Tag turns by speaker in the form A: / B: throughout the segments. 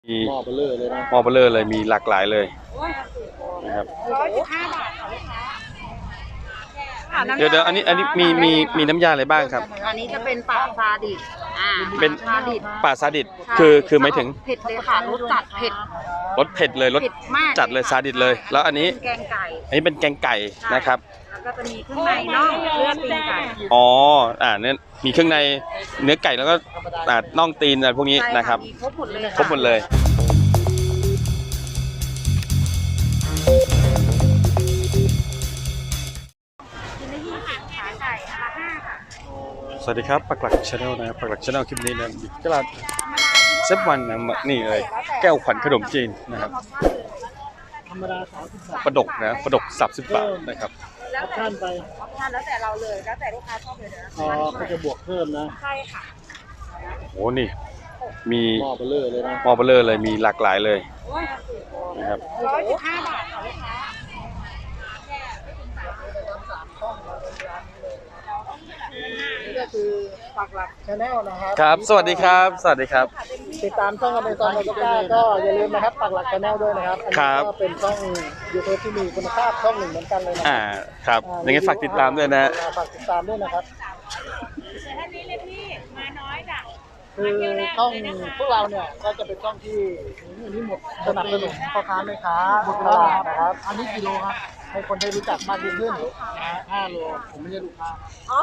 A: มีหม้อเบลเลอร์เลยนะหม้อเบลเลอร์เลยมีหลากหลายเลยนะครับ
B: 115 บาทค่ะ
A: เดี๋ยวอันนี้มีน้ำยาอะไรบ้างครับ
B: อันนี้จะเป็นป่าซาดิส
A: เป็น
B: ซาดิส
A: ป่าซาดิสคือหมายถึง
B: เผ็ดเลยค่ะรสจัดเผ็ด
A: รสเผ็ดเลยรสจัดเลยซาดิสเลยแล้วอันนี้
B: แกงไก่
A: อันนี้เป็นแกงไก่นะครับ
B: แล้วก็จะมีเครื่องในน่องเลือดตีนไก่
A: อ๋อเนี่ยมีเครื่องในเนื้อไก่แล้วก็น่องตีนอะไรพวกนี้นะครับ
B: ครบหมดเลย
A: ครบหมดเลยสวัสดีครับปักหลักชาแนลนะครับปักหลักชาแนลคลิปนี้นะตลาดเซฟวันนะนี่เลยแก้วขวัญขนมจีนนะครับปลาดกนะปลาดก30 บาทนะครับ
B: แล้วแต่ไปแล้วแต่เราเลยแล้วแต่ลูกค้าชอบเลยนะ
A: เขาจะบวกเพิ่มนะ
B: ใช่ค่ะ
A: โอ้นี่มี
B: หม้อเบลเลอร์เลยนะ
A: หม้อเบลเลอร์เลยมีหลากหลายเลยนะครับ
B: 115 บาทค่ะลูกค้านี่ก็คือปักหลักชาแนลนะครับ
A: ครับสวัสดีครับสวัสดีครับ
B: ติดตามช่องกันในตอนนี้ก็อย่าลืมนะครับปักหลักชาแนลด้วยนะครับอันนี้ก็เป็นช่อง YouTube ที่มีคุณภาพช่องหนึ่งเหมือนกันเลย
A: นะครับยังไงฝากติดตามด้วยนะ
B: ฝากติดตามด้วยนะครับคือช่องพวกเราเนี่ยก็จะเป็นช่องที่นี่หมดสนับสนุนพ่อค้าแม่ค้าบุตรหลานนะครับอันนี้กิโลครับให้คนได้รู้จักมากยิ่งขึ้น5 โลผมไม่ใช่ลูกค้า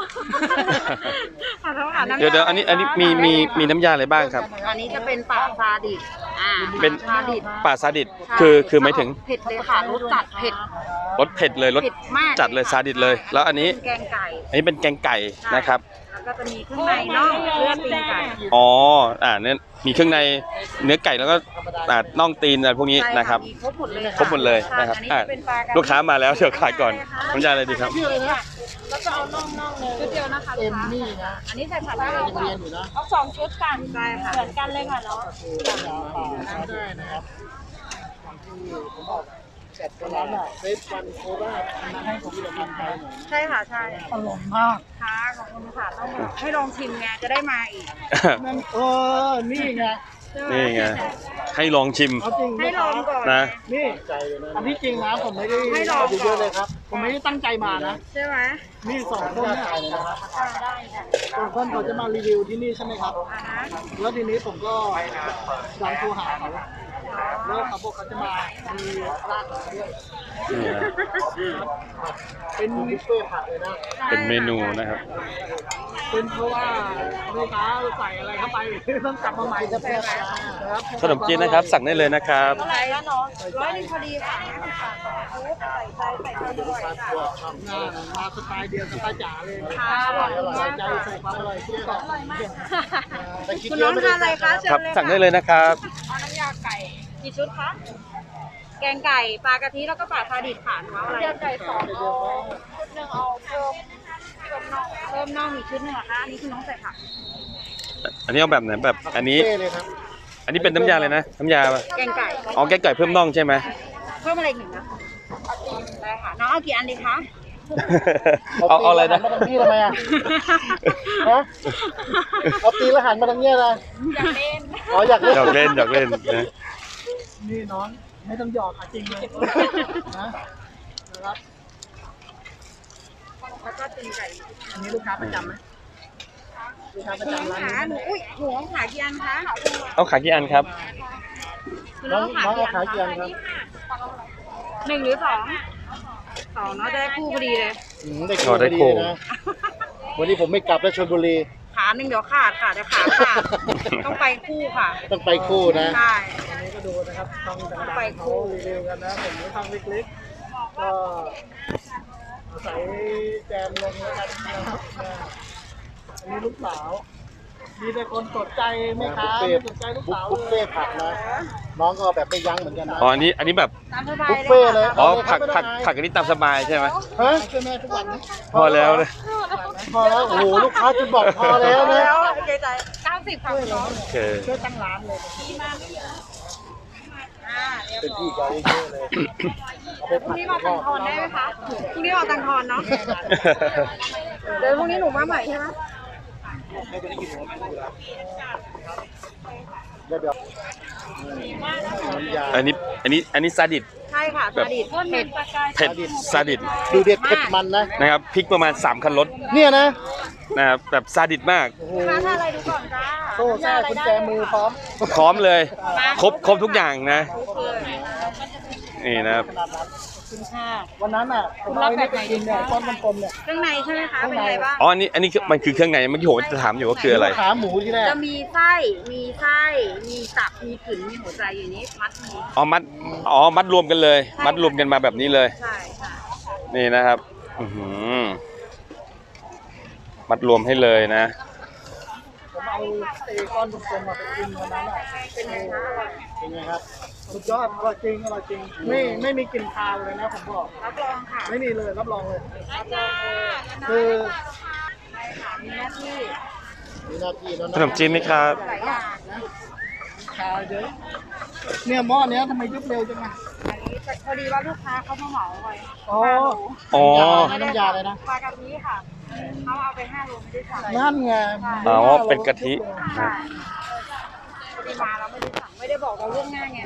A: เดี๋ยวอันนี้มีน้ำยาอะไรบ้างครับ
B: อันนี้จะเป็นป่าซาดิส
A: เป็นป่าซาดิสคือหมายถึง
B: เผ็ดเลยค่ะรสจัดเผ็ด
A: รสเผ็ดเลยรสจัดเลยซาดิสเลยแล้วอันนี้
B: แกงไก่
A: อันนี้เป็นแกงไก่นะครับ
B: ก็จะมีเครื่องในน่องเลือดตีนไก่
A: อ๋อเนี่ยมีเครื่องในเนื้อไก่แล้วก็น่องตีนอะไรพวกนี้นะครับ
B: ครบหมดเลย
A: ครบหมดเลยนะครับลูกค้ามาแล้วเดี๋ยวขายก่อนน้ำยาอะไรดีครับ
B: แล้วก็เอาน่องเลยชุดเดียวนะคะเอ็มนี่นะอันนี้ใส่ผัดได้เลยค่ะเอา2 ชุดกันใช่ค่ะเหมือนกันเลยค่ะเนาะ
A: ได้นะครับ
B: ผมบอกเสร็จแล้วน่ะเฟซวันโคราชมาให้ผมลองทานใช่ค่ะใช่
A: อร่อยมาก
B: ค่ะขอบคุณค่ะต้องให้ลองชิมไงจะได้มาอีก
A: นั่นนี่ไงให้ลองชิม
B: ให้ลองก่อน
A: นะ
B: นี่
A: อันที่จริงนะผมไม่ได้
B: ให้ลอง
A: เยอะเลยครับผมไม่ได้ตั้งใจมานะ
B: ใช่ไหม
A: นี่2 คนเนี่ย
B: ได้ค่ะ
A: 2 คนเขาจะมารีวิวที่นี่ใช่ไหมครับแล้วทีนี้ผมก็ดันโทรหาเขาแล้วเขาบอกเขาจะมามีร้านด้วยเป็นบุฟเฟ่ผักเลยนะเป็นเมนูนะครับเป็นเพราะว่าลูกค้าใส่อะไรเข้าไปต้องกลับมาใหม่จะเป็นนะครับขนมจีนนะครับสั่งได้เลยนะครับ
B: อะไรแล้วเนาะ100 พอดีค่ะใส่ด้วย
A: มาสไตล์เดียวสไตล์จ๋าเลย
B: ค่ะอร่อย
A: ใจใส่ความอร่อยที่อร่อยมาก
B: คุณน้องทานอะไรคะ
A: ครับสั่งได้เลยนะครับ
B: เอาน้ำยาไก่กี่ชุดคะแกงไก่ปลากะทิแล้วก็ปลาซาดิสผ่านว่าอะไรแกงไก่2 ชุด 1เอาเพิ่มน่องอีกชุด 1เหรอคะอันนี้คือน้องใส่ผัก
A: อันนี้เอาแบบไหนแบบอันนี้เป็นน้ำยาเลยนะน้ำยา
B: แกงไก่
A: อ๋อแกงไก่เพิ่มน่องใช่ไหม
B: เพิ่มอะไรอีกนะได้ค่ะน้องเอากี่อันดีคะ
A: เอาอะไรนะ
B: มาทางนี้ทำไมอ่ะ
A: เอาตีละหันมาทางนี้นะ
B: อยากเล่น
A: อ๋ออยากเล่นนะ
B: นี่น้องไม่ต้องหยอกจริงเลยนะครับแล้วก็ตีนไก่อันนี้ลูกค้าประจำไหมลูกค้าประจำร้านหนูหนูขายกี่อันคะ
A: เอาขายกี่อันครับ
B: น้องขายกี่อันครับ1 หรือ 2 เนาะจะได้คู่พอดีเลย
A: ได้คู่นะวันนี้ผมไม่กลับแล้วชลบุรี
B: ขา1เดี๋ยวขาดค่ะเดี๋ยวขาดต้องไปคู่ค่ะ
A: ต้องไปคู่นะ
B: ใช่
A: อันนี้ก็ดูนะครับต้อง
B: ไปคู่
A: รีวิวกันนะผมทำเล็กๆก็ใส่แจมลงแล้วกันนะครับอันนี้ลูกสาวมีแต่คนสนใจไหมครับสนใจลูกสาวบุฟเฟ่ผักนะน้องก็แบบไม่ยั้งเหมือนกันนะอ๋ออันนี้แบบ
B: บุฟเฟ่
A: เลยอ๋อผักอันนี้ตามสบายใช่ไหม
B: ฮะช่วยแม่ทุกวัน
A: พอแล้วเลย
B: พอแล้วโอ้โหลูกค้าจะบอกพอแล้วนะใจ90ค่ะน้องช่วยตั้งร้านเลย
A: เป็นที่ใหญ่เยอะเลย
B: พรุ่งนี้มาตังทอนได้ไหมคะพรุ่งนี้มาตังทอนเนาะเดี๋ยวพรุ่งนี้หนูมาใหม่ใช่ไหมเดี๋ยวน้ำยา
C: อันนี้ซาดิส
D: ใช่ค่ะ
C: แบบ
D: สลิดเผ็ด
C: เผ็ดซาดิส
B: ดูเด็ดเผ็ดมันนะ
C: นะครับพริกประมาณ3 คันรถ
B: เนี่ยนะ
C: นะครับแบบซาดิสมาก
B: โอ้โห
D: ค้าทานอะไรดูก่อนจ้า
B: โซ่แซ่กุญแจมือพร้อม
C: พร้อมเลยครบทุกอย่างนะนี่นะครับ
B: ขนาดนั้น
D: คุณค่ะ
B: วันนั้นอ่ะผมเอาไอ้นี่ไปกินเนี่ยก้อนกลมๆเนี่ย
D: เครื่องในใช่ไหมคะเป็นไงบ้าง
C: อ๋ออันนี้มันคือเครื่องในเมื่อกี้ผมจะถามอยู่ว่าคืออะไร
B: ขาหมูที่แรก
D: จะมีไส้ มีตับ มีกึ่นมีหัวใจอยู่นี้มัดหมู
C: มัดรวมกันเลย มัดรวมกันมาแบบนี้เลย
D: ใช่ค่ะ
C: นี่นะครับอื้อหือมัดรวมให้เลยนะ
B: ผมเอาไอ้ก้อนกลมๆมาไปกินวันนั้นอ่ะ
D: เป็นไงคะอร่อย
B: เป็นไงครับสุดยอดอร่อยจริงอร่อยจริงไม่มีกลิ่นคาวเลยนะผมบอก
D: รับรองค่ะ
B: ไม่มีเลยรับรองเลย
D: รับรองเลย
B: คือ
D: ใช่ค่ะมีหน้าที่
B: มีหน้าที่แล้ว
C: ขนมจีนไหมครับ
D: หลายอย่าง
B: คาวเยอะเนี่ยหม้อเนี้ยทำไมยุบเร็วจังอ่ะ
D: อันนี้พอดีว่าลูกค้าเขามาเหมาไว้
B: อ๋อ
C: อ๋อ
B: น้ำยาเลยนะ
D: ปลากะทิค่ะเขาเอาไป5 โลไม่ได้สั่ง
B: นั่นไง
C: อ๋อเป็นกะทิ
D: ใช่พอดีมาเราไม่ได้สั่งไม่ได้บอกเราล่วงหน้าไง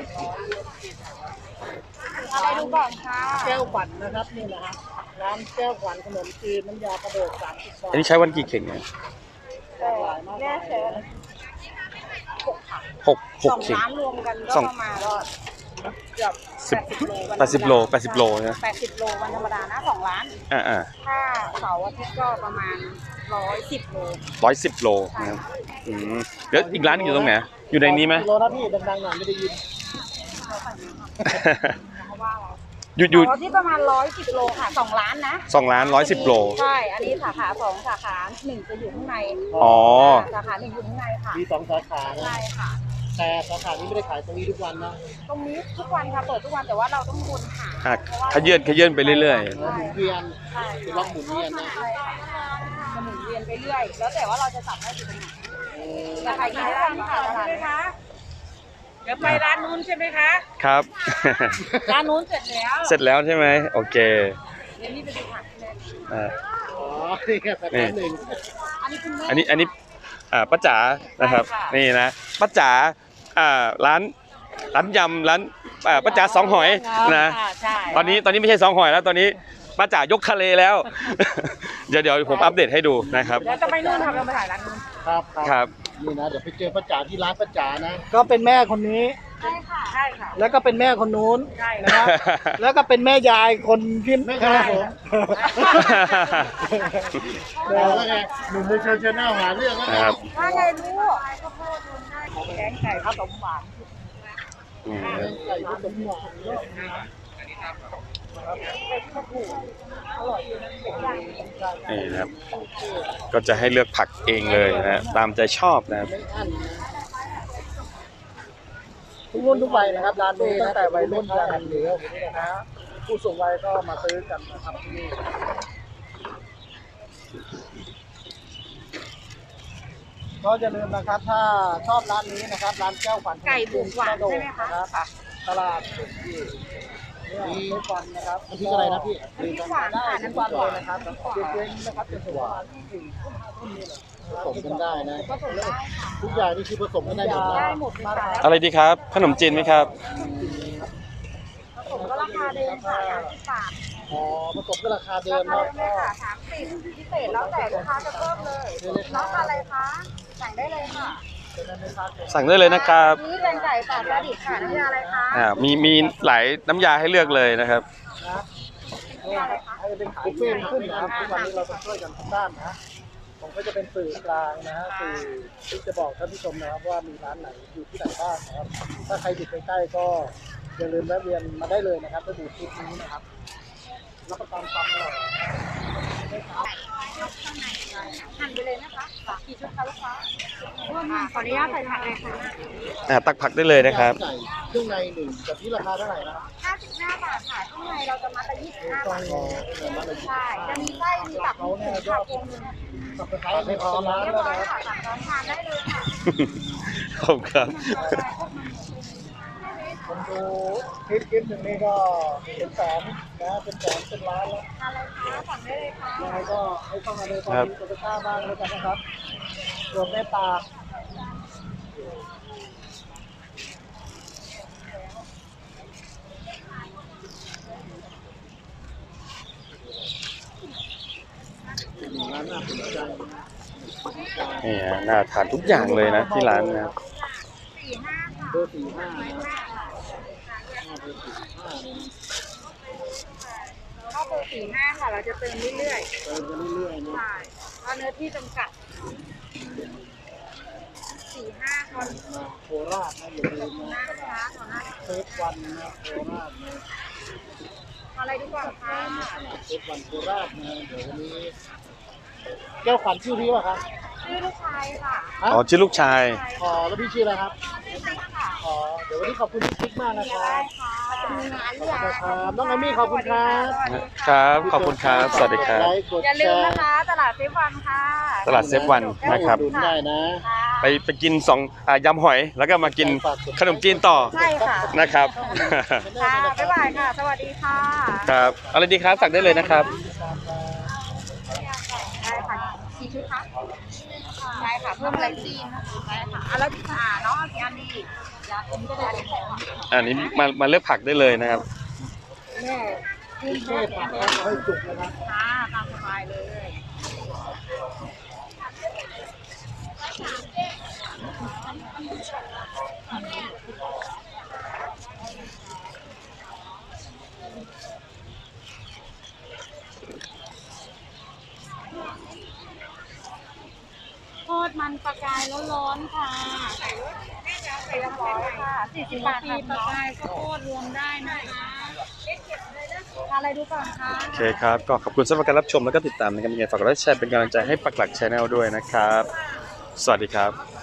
D: อะไรดูก่อนค่ะ
B: แก้วขวัญนะครับนี่นะฮะร้านแก้วขวัญขนมจีนน้ำยากระโดด30 บาท
C: อันนี้ใช้วันกี่เข่งเนี่ย
D: แน่เชิญ
C: หก
D: สอง
C: เข่ง
D: ร้านรวมกันก็
C: สอง
D: ประมาณก็เกือบ
C: 80 โล80 โลนะ
D: 80 โลวันธรรมดานะ2 ร้าน
C: อ่า
D: ถ้าเสาร์อาทิตย์ก็ประมาณ110 โล
C: 110 โลนะครับอืมแล้วอีกร้านหนึงอยู่ตรงไหนอยู่ในนี้ไหม
B: กิโลนะพี่ดังๆหน่อยไม่ได้ยิน
D: เพราะว่าอะไร
C: อยู่
D: เสาร์อาทิตย์ประมาณ110 โลค่ะ2 ร้านนะ
C: 2 ร้าน110 โล
D: ใช่ อันนี้สาขา2สาขา1จะอยู่ข้างใน
C: อ๋อ
D: สาขา1อยู่ข้างในค่ะ
B: มี2 สาขานะ
D: ใช่ค่ะ
B: แต่สาขานี้ไม่ได้ขายตรงนี้ทุกวันนะ
D: ตรงนี้ทุกวันค่ะเปิดทุกวันแต่ว่าเราต้องวนหา
C: อ่ะขยื่นไปเรื่อย
B: หมุนเวียน
D: ใช่
B: เป็นล็อกหมุนเวียนนะ
D: ใช่ค่ะจะหมุนเวียนไปเรื่อย แล้วแต่ว่าเราจะจับได้อยู่ตรงไหนราคากี่ร้านค่ะตลาดไหมคะเดี๋ยวไปร้านนู้นใช่ไหมคะ
C: ๆ ครับ
D: ร้านนู้นเสร็จแล้ว
C: เสร็จแล้วใช่ไหมโอเค
D: เดี๋ยวนี้ไปดูผักใช่ไหม
C: อ่า
B: อ๋อนี่แค่สาขาหนึ่ง
D: อันนี้คุณแม่
C: อันนี้ป้าจ๋านะครับ
D: ใช่ค่ะ
C: นี่นะป้าจ๋าร้านยำร้านป้าจ๋าสองหอยนะ
D: ใช่
C: ตอนนี้ไม่ใช่สองหอยแล้วตอนนี้ป้าจ๋ายกทะเลแล้ว เดี๋ยวผมอัปเดตให้ดูนะครับ
D: เดี๋ยวจะไปนู่นค่ะเราไปถ่ายร้านนู้น
B: ครับ
C: ครับ
B: นี่นะเดี๋ยวไปเจอป้าจ๋าที่ร้านป้าจ๋านะ ก็เป็นแม่คนนี้
D: ใช่ค่ะใช่ค่ะ
B: แล้วก็เป็นแม่คนนู้น
D: ใช่
B: นะครับ แล้วก็เป็นแม่ยายคนที่แม่ยายผมแล้วไงหนุ่มในเชิญเชิญหน้าหาเรื่องแล้ว
C: ครับ
D: ว่าไงลูกแกงไก่ข้าวต้มหวาน
C: อืม
B: ไก่ผสมหวาน
C: นี่นะครับ ก็จะให้เลือกผักเองเลยนะตามใจชอบนะครับ
B: ไม่อั้นนะทุกรุ่นทุกวัยนะครับร้านนี้ตั้งแต่วัยรุ่นยันเหลือนะฮะผู้สูงวัยก็มาซื้อกันนะครับที่นี่ก็อย่าลืมนะครับถ้าชอบร้านนี้นะครับร้านแก้วขวัญ
D: ไก่บุกหวานใช่ไหมคะ
B: รับตลาดสุกี้นี่ทุกวันนะครับน้ำพริกอะไรนะพี่
D: น้ำพริกหวานค่ะ
B: ทุ
D: น้ำ
B: ก
D: พริ
B: วัน
D: กห
B: เล
D: วาย น
B: นะครับเย็นๆนะครับจะถึงประมาณ4 ทุ่ม 5 ทุ่มนี่แหละผสมกันได้นะ
D: ก็ส่งได้ค่ะ
B: ทุกอย่างนี่คือผสมกันได้หมดนะ
D: ได้หมดเลยค่ะ
C: อะไรดีครับ ขนมจีนไหมครับ
D: ผมก็ราคาเดิมค่ะ30 บาท
B: อ๋อผสมก็ราคาเดิ
D: ราม คา
B: เนาะ
D: เดิมเลยค่ะ30พิเศษแล้วแต่ลูกค้าจะเพิ่มเลยน้องทานอะไรคะสั่งได้เลยค่ะ
C: สั่งได้เลยนะครับ
D: นี่เป็นไก่ปลาปลาดิบค่ะน้ำยาอะไรคะ
C: มีหลายน้ำยาให้เลือกเลยนะครับ
B: นะให้เป็นบุฟเฟ่ต์ขึ้นนะครับทุกวันนี้เราต้องช่วยกันทุกด้านนะผมก็จะเป็นสื่อกลางนะฮะสื่อที่จะบอกท่านผู้ชมนะครับว่ามีร้านไหนอยู่ที่ไหนบ้างนะครับถ้าใครอยู่ใกล้ๆก็อย่าลืมแวะเวียนมาได้เลยนะครับถ้าดูคลิปนี้นะครับรับประกันความอร่อย
D: หั่นไปเลยนะคะกี่ชุดคะลูกค้าขออนุญาตใส่ผักเลยค่ะ
C: ตักผักได้เลยนะครับ
B: ไก่เครื่องในหนึ่งกับที่ราคาเท่าไหร่นะ
D: 55 บาทค่ะข้างในเราจะมัดละ25 บาท
B: อ๋อเงินมาเลย
D: ใช่ จะมีไส้ มีตับมีหมูค่ะพวงหนึง
B: สับปะรดให้พร้อมร้าน
D: เรียบ
B: แล้ว
D: ร้อย
B: นะ
D: ค่ะสั่งพร้อมทานได้เลยค่ะ
C: ขอบคุณครับ
B: ผมดูคลิปหนึ่งนี่ก็เป็นแสนนะเป็นแสนเป็นล้านแล้ว
D: ทานอะไรคะสั่งได้เลยค่ะ
B: ยังไงก็ให้เข้ามาเลยตอนนี้ตัวต้าบ้างแล้วกันนะครับรวมแม่ปลา
C: นี่ฮะน่าทานทุกอย่างเลยนะที่ร้านนะครับ
B: เบอร์45นะ
D: ข้าวเบอร์45ค่ะเราจะเติมเรื่อย
B: เติมกันเรื่อยๆ
D: ๆ
B: นะ
D: ใช่เพราะเนื้อที่จำกัด45คน
B: โคราชนะอย่าลืมนะ
D: นะคะขอนะ
B: เซฟวันนะโคราชนะ
D: อะไรดีกว่าคะ
B: เซฟวันโคราชนะเดี๋ยววันนี้แก้วขวัญชื่อพี่ป่ะครับ
D: ชื่อลูกชายค่ะ
B: ฮะ
C: อ๋อชื่อลูกชาย
B: ขอแล้วพี่ชื่ออะไรครับ
D: ชื่อติ๊กค่ะ
B: ขอเดี๋ยววันนี้ขอบคุณพี่ติ๊กมากนะครั
D: ได้
B: บ
D: ค่ะมีงาน
B: ข
D: ห
B: อบ
D: รือ
B: คุ
D: ยั
B: ณ
D: ง
B: ครับน้องอามี่ขอบคุณครับ
C: ครับ ขอบคุณครับ สวัสดีครับ
B: ไลค์กด
D: อย่าลื
B: แช
D: ม
B: ร์
D: นะคะ ตลาดเซฟวันค่ะ
C: ตลาดเซฟวันนะครับ
B: อุดหนุนได้นะ
D: ค่ะ
C: ไปกินยำหอย แล้วก็มากินขนมจีนต่อ
D: ใช่ค่ะ
C: นะครับ
D: ค่ะ บ๊ายบายค่ะ สวัสดีค่ะ
C: ครับอะไรดีครับสั่งได้เลยนะครับ
D: ได้ค่ะกี่ชุดคะได้ค่ะ เพิ่มอะไรจีนได้ค่ะอ่ะแล้วน้องเอากี่อันดีอยากกินก็ได้เลยค่ะ
C: อันนี้มาเลือกผักได้เลยนะครับ
D: แม่
B: พี่เทพผักนะให้จุกนะครับ
D: ค่ะตามสบายเลย ทอดมันปลากายร้อนๆค่ะใส่เรียบร้อยค่ะ40 บาทค่ะปลากายข้าวโพดรวมได้นะคะทานอะไรดูก่อนค่ะ
C: โอเคครับ ก็ขอบคุณสำหรับการรับชมแล้วก็ติดตามนะครับยังไงฝากกดไลค์แชร์เป็นกำลังใจให้ปักหลักชาแนลด้วยนะครับ สวัสดีครับ